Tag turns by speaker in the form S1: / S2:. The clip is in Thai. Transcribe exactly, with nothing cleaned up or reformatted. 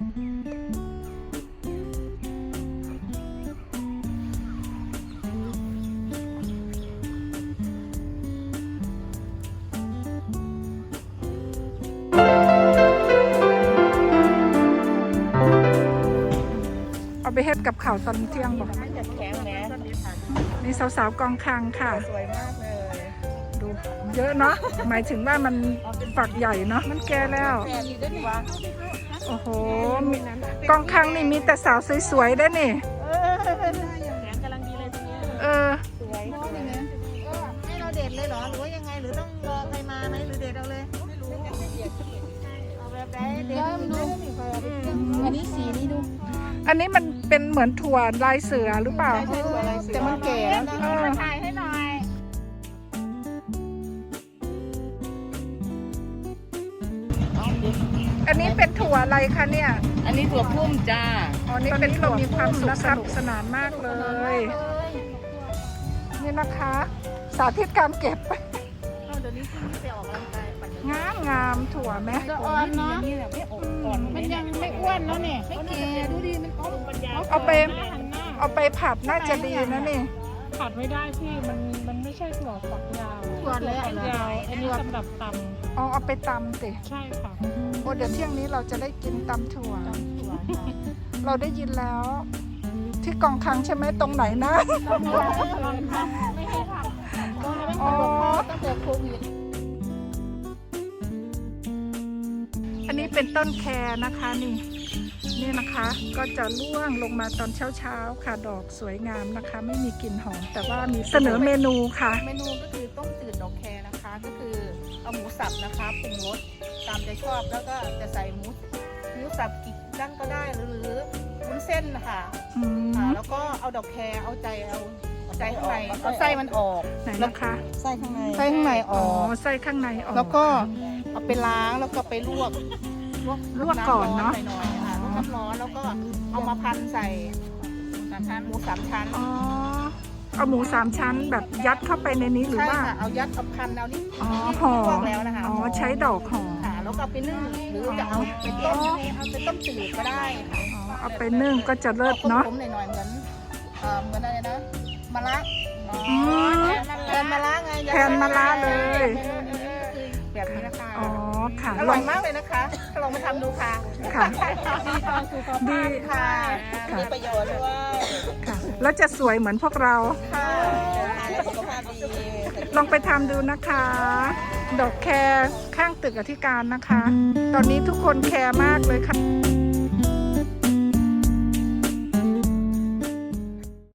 S1: เอาไปเฮ็ดกับข่าวตอนเที่ยงบอกนี่สาวๆกองคางค่ะสวยมากเลยดูเยอะเนาะหมายถึงว่ามันฝักใหญ่เนาะมันแก่แล้วโอ้โหกองคางนี่มีแต่สาวสวยๆได้นี่เออ
S2: สวยให้เราเด็ดเลยเหรอหรือว่ายังไงหรือต้องรอใครมาไหมหรือเด็ดเอาเลยเอาแบบไหนเด็ดอันนี้สีนี้ดู
S1: อันนี้มันเป็นเหมือนถั่วลายเสือหรือเปล่า
S2: แต่มันแก่แล้วนะมาถ่ายให้หน่อย
S1: อันนี้เป็นถั่วอะไรคะเนี่ย
S3: อันนี้ถั่วพุ่มจ้า
S1: อ๋อนี่เป็นเรามีความสุขสนุกสนานมากเลยนี่นะคะสาธิตการเก็บ
S2: เดี๋ยวนี้ที่นี่ไปออกกำลังกายปั่น
S1: งามงามถั่วไหม
S2: จะอ่อนเนาะมันยังไม่อ้วนแล้วเนี่ยไม่แก่ดูดีมันต้องปัญญา
S1: เอาไปเอาไปผัดน่าจะดีนะนี่
S4: ผัดไม่ได้พี่มันมันไม่ใช่ถั่วฝักยาว
S2: ถั่วเลย
S4: ยาวอันนี้สำหรับตำ
S1: อ๋อเอาไปตำสิ
S4: ใช่ค่ะ
S1: โอ้เดี๋ยวเที่ยงนี้เราจะได้กินตำถั่วเราได้ยินแล้วที่กองคังใช่ไหมตรงไหนนะ
S2: ไม่ให้ทำอ๋อตั้งแต่โควิด
S1: อันนี้เป็นต้นแคนะคะนี่นี่นะคะก็จะร่วงลงมาตอนเช้าๆค่ะดอกสวยงามนะคะไม่มีกลิ่นหอมแต่ว่ามีเสนอเมนูค่ะ
S2: เมนูก็คือต้มจืดดอกแคนะคะก็คือเอาหมูสับนะคะปรุงรสตามใจชอบแล้วก็จะใส่หมูหมูสับกี่ดั้งก็ได้หรือวุ้นเส้นนะคะแล้วก็เอาดอกแคเอาใจเอาใจข้างในเอาไส้มันออก
S1: ไหนนะคะ
S2: ไส้ข้างในไส้ข้างในออก
S1: ไส้ข้างในออก
S2: แล้วก็เอาไปล้างแล้วก็ไปลวก
S1: ลวกก่อนเนาะ
S2: หน่อยๆค่ะลวกน้ำร้อนแล้วก็เอามาพันใส่สามชั้นหมูสามชั้น
S1: อ๋อเอาหมูสามชั้นแบบยัดเข้าไปในนี้หรือว่า
S2: เอายัดเอาพันเอานี่
S1: อ๋อห่อ
S2: แล้วนะคะ
S1: อ๋อใช้ดอกห่อ
S2: ค่ะแล้วก็เอาไปนึ่งหรือจะเอาไปต้มเอาไปต้มจืดก็ได้ค่ะ
S1: อ๋อเอาไปนึ่งก็จะเลิศเนาะ
S2: ผมหน่อยๆเหมือนเอ่อเหมือนอะไรนะมะระ
S1: อ๋อ
S2: แทนมะระไง
S1: แทนมะระเลย
S2: แบบนี้นะคะ
S1: อ๋อค่ะ
S2: อร่อยมากเลยนะคะลองมาทำดูค่ะ
S1: ค่ะ
S2: ดีค่ะมีประโยชน์ด้วย
S1: ค่ะแล้วจะสวยเหมือนพวกเรา
S2: ค่ะสุขภาพดี
S1: ลองไปทำดูนะคะดอกแคร์ข้างตึกอธิการนะคะตอนนี้ทุกคนแคร์มากเลยค่ะ